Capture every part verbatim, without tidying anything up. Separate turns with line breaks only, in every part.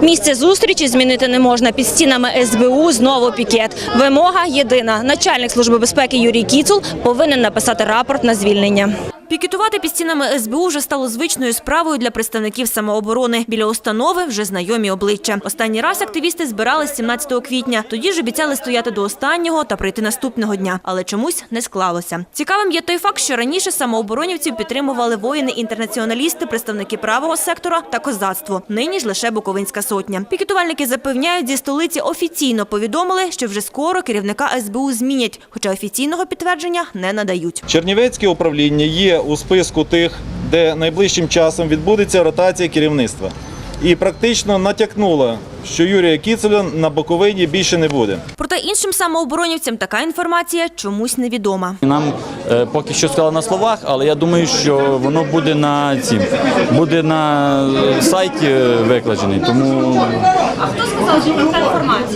Місце зустрічі змінити не можна. Під стінами ес бе у знову пікет. Вимога єдина. Начальник Служби безпеки Юрій Кіцул повинен написати рапорт на звільнення. Пікетувати під стінами ес бе у вже стало звичною справою для представників самооборони. Біля установи вже знайомі обличчя. Останній раз активісти збирались сімнадцятого квітня. Тоді ж обіцяли стояти до останнього та прийти наступного дня. Але чомусь не склалося. Цікавим є той факт, що раніше самооборонівців підтримували воїни-інтернаціоналісти, представники правого сектора та козацтво. Нині ж лише Буковинська сотня. Пікетувальники запевняють, зі столиці офіційно повідомили, що вже скоро керівника ес бе у змінять, хоча офіційного підтвердження не надають.
Чернівецьке управління є у списку тих, де найближчим часом відбудеться ротація керівництва. І практично натякнула, що Юрія Кіцуля на Буковині більше не буде.
Проте іншим самооборонівцям така інформація чомусь невідома.
Нам е, поки що сказали на словах, але я думаю, що воно буде на цім, буде на сайті викладений. Тому
А хто сказав, що така інформація?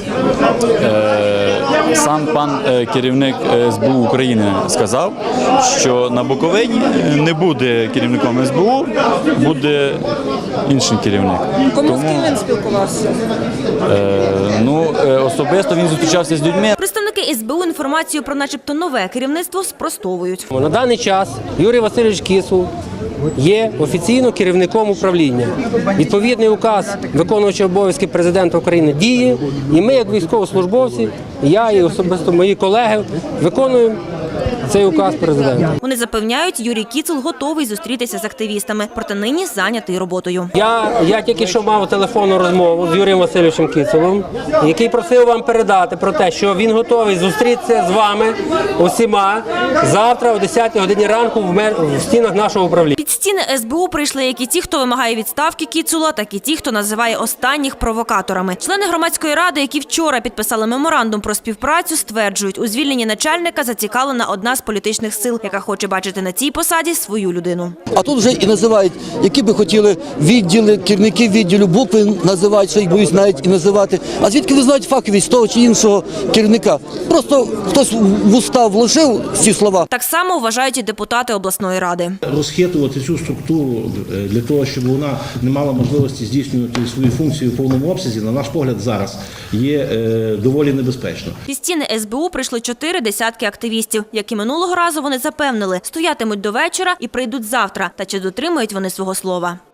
Е, сам пан е, керівник ес бе у України сказав, що на Буковині не буде керівником ес бе у, буде інший керівник.
Кому
Тому,
з ким він спілкувався?
Е, ну, е, особисто він зустрічався з людьми.
Представники ес бе у інформацію про начебто нове керівництво спростовують.
На даний час Юрій Васильович Кіцул є офіційно керівником управління. Відповідний указ виконуючого обов'язки президента України діє, і ми, як військовослужбовці, я і особисто мої колеги, виконуємо цей указ президента.
Вони запевняють, Юрій Кіцул готовий зустрітися з активістами, проте нині зайнятий роботою.
Я, я тільки що мав телефонну розмову з Юрієм Васильовичем Кіцулом, який просив вам передати про те, що він готовий зустрітися з вами усіма завтра о десятій годині ранку в, мер... в стінах нашого управління.
Під стіни ес бе у прийшли як і ті, хто вимагає відставки Кіцула, так і ті, хто називає останніх провокаторами. Члени громадської ради, які вчора підписали меморандум про співпрацю, стверджують, у звільненні начальника зацікавлена одна з політичних сил, яка хоче бачити на цій посаді свою людину.
А тут вже і називають, які би хотіли відділи, керівники відділу, букви називають, що їх боюсь навіть і називати. А звідки ви знаєте фаховість того чи іншого керівника? Просто хтось в уста вложив ці слова.
Так само вважають і депутати обласної ради.
Розхитувати цю структуру для того, щоб вона не мала можливості здійснювати свої функції в повному обсязі, на наш погляд, зараз є доволі небезпечно.
Під стіни ес бе у прийшли чотири десятки активістів, які минулого разу вони запевнили, стоятимуть до вечора і прийдуть завтра. Та чи дотримують вони свого слова?